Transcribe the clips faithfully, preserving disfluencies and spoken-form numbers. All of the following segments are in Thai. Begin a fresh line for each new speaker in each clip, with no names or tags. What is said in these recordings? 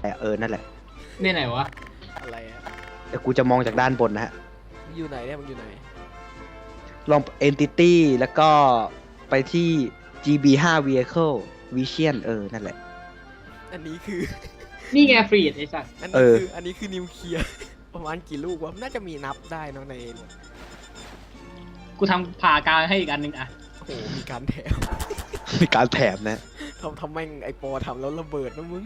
เออนั่นแหละ
เนี่ยไหนวะ
อะไรอะ
เดี๋ยวกูจะมองจากด้านบนนะฮะ
มึงอยู่ไหนเนี่ยมึงอยู่ไหน
ลอง entity แล้วก็ไปที่ จี บี ไฟว์ vehicle vision เออนั่นแหละ
อันนี้คือ
นี่ไงฟรีดไอ้สัตว์
อัน
เอ
นี้
อ
คืออันนี้คือนิวเคลียร์ ประมาณกี่ลูกวะน่าจะมีนับได้เนอะใน
กูทำผ่ากลางให้อีกอันหนึ่งอะ
โอ้โหมีการแถม
มีการแถมนะ
ทำทำแม่งไอปอทำแล้วระเบิดนะมึง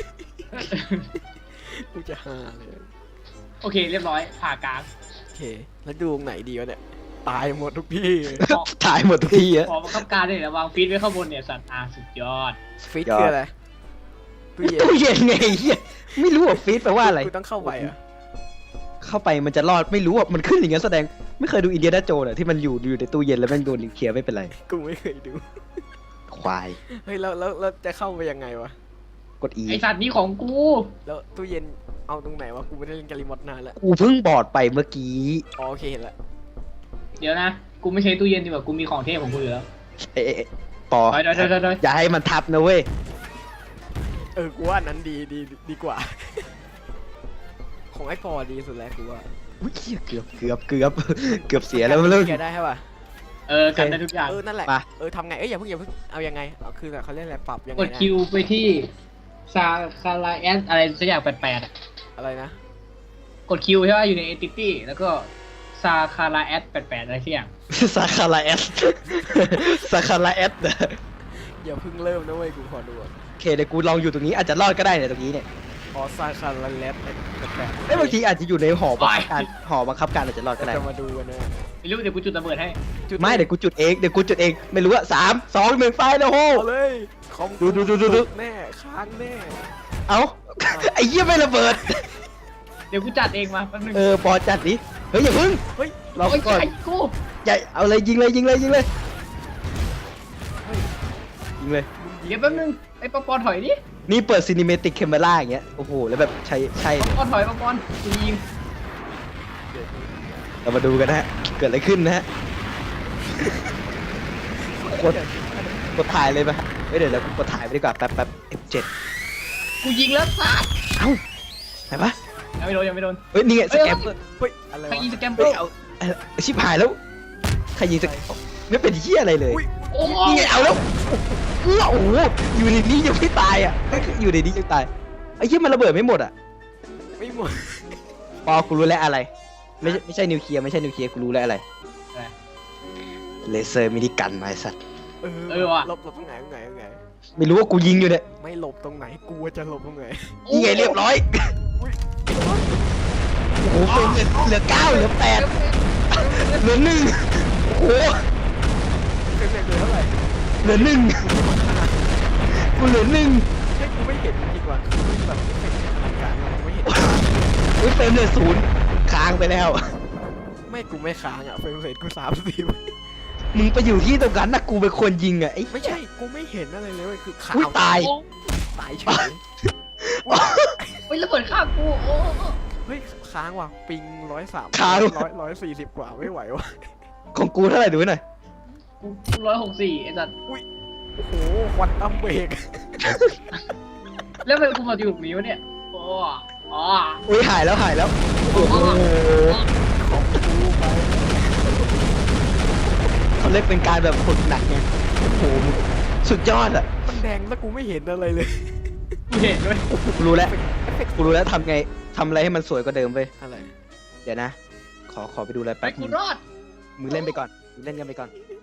กูจะหาเลย
โอเคเรียบร้อยผ่ากลาง
โอเค แล้วดูตรงไหนดีวะเนี่ย ตายหมดทุกที่
ถ่ายหมดทุกที่อะ
ขอบังคับการเลยนะวางฟีดไว้ข้างบนเนี่ยสัตว์อาสุดยอด
ฟิต
ยอด
คืออะไรตู้เย็น
ตู้เย็นไงเฮียไม่รู้ว่าฟีดแปลว่าอะไร
กูต้องเข้าไปอ่ะ
เข้าไปมันจะรอดไม่รู้อ่ะมันขึ้นอย่างนั้นแสดงไม่เคยดูอินเดียนาโจนอ่ะที่มันอยู่อยู่ในตู้เย็นแล้วแม่งโดนนิวเคลียร์ไม่เป็นไร
กูไม่เคยดู
ควาย
เฮ้ยแล้วแล้วแล้วจะเข้าไปยังไงวะ
กด E
ไอสัตว์นี่ของกู
แล้วตู้เย็นเอาตรงไหนวะ กูไม่ได้เล่นการิมอตนานแล้ว
กูเพิ่งบอดไปเมื่อกี้
อ๋อโอเคเห็นละ
เดี๋ยวนะกูไม่ใช้ตู้เย็นดีกว่ากูมีของเทพของกูอยู่แล้ว
เอ๊ะเอ๊ะเอ๊ะปอ
เดี๋ยวเดี๋ยวเดี๋ยวเดี๋ยว
อย่าให้มันทับนะเว้ย
เออ กูว่าอันนั้นดีดีดีกว่า ของไอ้ปอดีสุดแล้วกูว่า
อุ้ยเหี้ยเกือบเกือบเกือบเกือบเสียแล้วมันเริ่ม
แกได้ใช่ป่ะ
เออกันได้ทุกอย่าง
เออ นั่นแหละ
มา
เออทำไง เอ้ยอย่าเพิ่งอย่าเพิ่งเอายังไงเอาคือเขาเรียกอะไรปรับยังไง
กด
นะ
คิวไปที่ซาคาราแอสอะไรสักอย่างแปลกๆอะ
อะไรนะ
กดคิวใช่ป่ะอยู่ใน entity แล้วก็ซาคาราแอสแปลกๆอะไรสักอย่าง
ซาคาราเอสซาคาราเอส
อย่าเพิ่งเริ่มนะเว้ย กูขอดูก่อน
โอเคเดี๋ยวกูลองอยู่ตรงนี้อาจจะรอดก็ได้เนี่ยตรงนี้เนี่ย
ออซาคาราเลสแปลกๆ
เอ้ยบางทีอาจจะอยู่ในหอบังคับการหอบังคับการอาจจะรอดก็ได้
จะมาดูกันนะ
ไม่รู้เดี๋ยวกูจุดระเบิดให้
จุ
ไม่เดี๋ยวกูจุดเองเดี๋ยวกูจุดเองไม่รู้อะสามสองหนึ่งไฟนะโฮ
เอาเลยคอม
ดูดูดูดูดู
แน่ค้างแน่
เอ้า ไอ้เหี้ยไม่ระเบิด
เดี๋ยวกูจัดเองมาแป๊บนึง
เออปอจัดดิเฮ้ยอย่าพึ่ง
เฮ้ย
รอ
โอ้ย
ก่อน
ไอ้กู
ใหญ่เอาเลยยิงเลยยิงเลยยิงเลยยิงเลย
เดี๋ยวแป๊บนึงไอ้ปอปอนถอยดิ
นี่เปิดซีนิเมติกแคมเมราอย่างเงี้ยโอ้โหแล้วแบบใช่ใช่
ปอ
เลย
ปอนถอยปอปอนกูยิง
เรามาดูกันนะฮะเกิดอะไรขึ้นนะฮะกดกดถ่ายเลยปะเฮ้ยเดี๋ยวเรากดถ่ายไปดีกว่าแป๊บแป๊บ เอฟ เจ็ด
กูยิงแล้วสัตว์
เอ้าไหนปะ
ยังไม่โดนยังไม่โดน
เฮ้ยนี่ไงสแกมเปอร์
เฮ้ย อะไร
ใคร
วะ
ยิงสแกมเปอ
เฮ้ย
ร์
เอาเอาชิบหายแล้วใครยิงสแกมไม่เป็นเหี้ยอะไรเลย
อุ้ย
โอ้
นี่ไงเอาแล้วอู้โอ้โหอยู่ในนี้ยังไม่ตายอ่ะอยู่ในนี้ยังตายไอ้เหี้ยมันระเบิดไม่หมดอ่ะ
ไม่หมด
ปอกูรู้แล้วอะไร ไม่ใช่ไม่ใช่นิวเคลียร์ไม่ใช่นิวเคลียร์กูรู้แล้วอะไรเลเซอร์มินิกันมาไอ้สัตว์
เออ
เออว่ะ
หลบหลบตรงไหนตรงไหนตรงไหน
ไม่รู้ว่ากูยิงอยู่เนี่ย
ไม่หลบตรงไหน กูจะหลบตรงไหน
นี่ไงเรียบร้อย
อุ้ย
โอ้โหเป็นเหลือเก้าเหลือแปดเหลือหนึ่งโอ้โห
เป็นเป็นเลยเท่าไหร่
เหลือหนึ่งกูเหลือหนึ่ง
ให้กูไม่เห็นจริงๆว่ะคือแบบไม่เห็นอลังการว่ะไม่เห็น
อุ้ยเฟรมเลยศูนย์ค้างไปแล้ว
ไม่กูไม่ค้างอ่ะเฟรมเรทกูสามสิบ
มึงไปอยู่ที่ตรงนั้นนะกูเป็นคนยิงอ่ะไอ้
ไม่ใช่ กูไม่เห็นอะไรเลยเว้ยคือขา
อุ้ยว ตาย
ตายเฉย
เฮ้ยระเบิดข้างกูโอ้
เฮ้ยค้างว่ะปิงร้อยสาม
ค้าง
ร้อยร้อยสี่สิบกว่าไม่ไหวว่ะ
ของกูเท่าไหร่ดูหน่อย
กูร้อยหกสี่ไอ้สัตว์
โอ้โหควันตัมเบรก
แล้วทำไมกูมาอยู่ตรงนี้วะเนี่ยโอ้อ๋อ
อุ้ยหายแล้วหายแล้วโอ้โห
ของกูไป
เขาเรียกเป็นการแบบฝึกหนักไงโอ้โหสุดยอดอ่ะ
มันแดงแล้วกูไม่เห็นอะไรเลย
กูเห็นด้วย
กูรู้แล้วกูรู้แล้วทำไงทำอะไรให้มันสวยกว่าเดิมไป
อะไร
เดี๋ยวนะ ขอขอไปดูอะไร
ไป
แป๊บ
กู
นึง
รอด
มึงเล่นไปก่อนมึงเล่นกันไปก่อน
ไ